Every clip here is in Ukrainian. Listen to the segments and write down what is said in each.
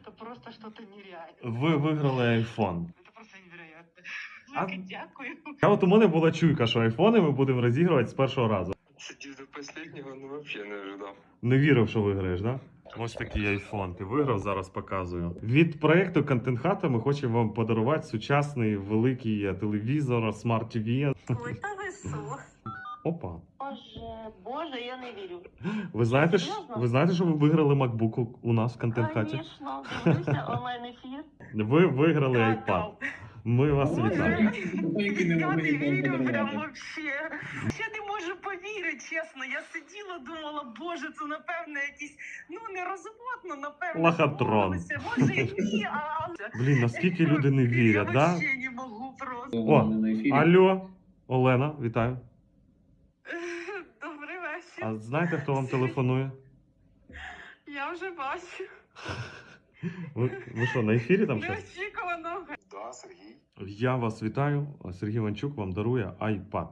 это просто что-то нереальное. Ви виграли iPhone. Это просто невероятно. А- Велике дякую. А от у мене була чуйка, що айфони ми будемо розігрувати з першого разу. Сидів до последнего, ну вообще не ожидав. Не вірив, що виграєш, да? Ось такий айфон. Ти виграв, зараз показую. Від проєкту Content Hut ми хочемо вам подарувати сучасний великий телевізор, Smart TV. Ой, та ви су. Опа. Боже, я не вірю. Ви знаєте, Серйозно? ви знаєте, що ви виграли MacBook у нас в Content Hut? Звісно, дивлюся онлайн-ефір. Ви виграли iPad. Ми вас Боже, вітаємо. я не вірю прям вообще. Я не можу повірити, чесно. Я сиділа, думала, боже, це напевно якісь, нерозумно, напевно. Лохотрон. домовилися. Може і ні, а... Блін, наскільки люди не вірять, Я да? вообще не можу просто. О, алло, Олена, вітаю. Добрий вечір. А знаєте, хто вам телефонує? Я вже бачу. Ви що, на ефірі там щось? Неочікувано. Да, Сергій. Я вас вітаю. Сергій Іванчук вам дарує iPad.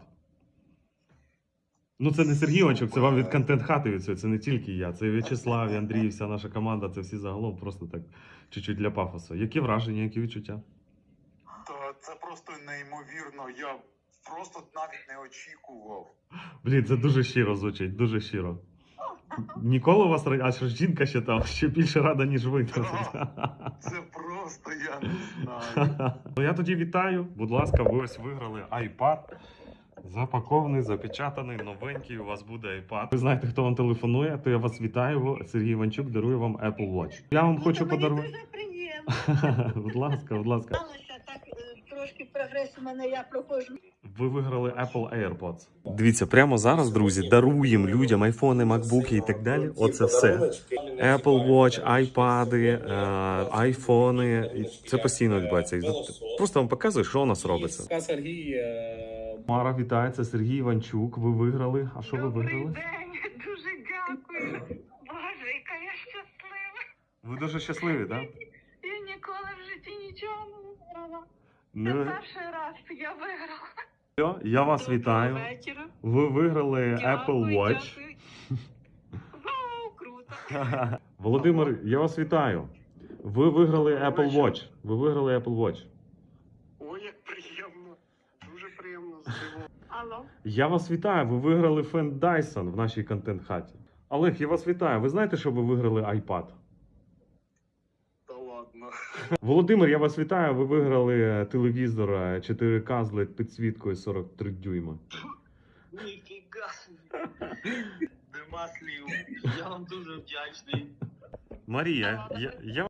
Ну, це не Сергій Іванчук, це вам від Content Hut від цього. Це не тільки я. Це і В'ячеслав, і Андрій, вся наша команда. Це всі загалом просто так чуть-чуть для пафосу. Які враження, які відчуття? Та це просто неймовірно. Я просто навіть не очікував. Блін, це дуже щиро звучить, дуже щиро. Ніколи у вас а що ж жінка ще там ще більше рада, ніж ви. Це просто я не знаю. Ну я тоді вітаю. Будь ласка, ви ось виграли iPad. Запакований, запечатаний, новенький. У вас буде iPad. Ви знаєте, хто вам телефонує, то я вас вітаю. Сергій Іванчук дарує вам Apple Watch. Я вам хочу подарувати. Дуже приємно. Будь ласка, будь ласка. Сталося так, трошки прогрес у мене, я проходжу. Ви виграли Apple AirPods. Дивіться, прямо зараз, друзі, даруємо людям айфони, макбуки і так далі. Оце все. Apple Watch, айпади, айфони. І це постійно відбувається. Просто вам показую, що у нас робиться. Сергій. Мара, вітається, Сергій Іванчук. Ви виграли. А що ви Добрий виграли? день, дуже дякую. Боже, яка я щаслива. Ви дуже щасливі, так? Я ніколи в житті нічого не виграла. Це Да? перший раз я виграла. Я вас вітаю. Доброго вечора. Ви виграли Apple Дякую, Watch. дякую. Вау, круто. Володимир, я вас вітаю. Ви виграли Apple Watch. Ви виграли Apple Watch. Ой, як приємно. Дуже приємно здивовано. Алло. Я вас вітаю. Ви виграли фен Dyson в нашій контент-хаті. Олег, я вас вітаю. Ви знаєте, що ви виграли iPad? Та ладно. Володимир, я вас вітаю. Ви виграли телевізор 4К з LED підсвіткою 43 дюйма. Ніфіга. Нема слів. Я вам дуже вдячний. Марія, я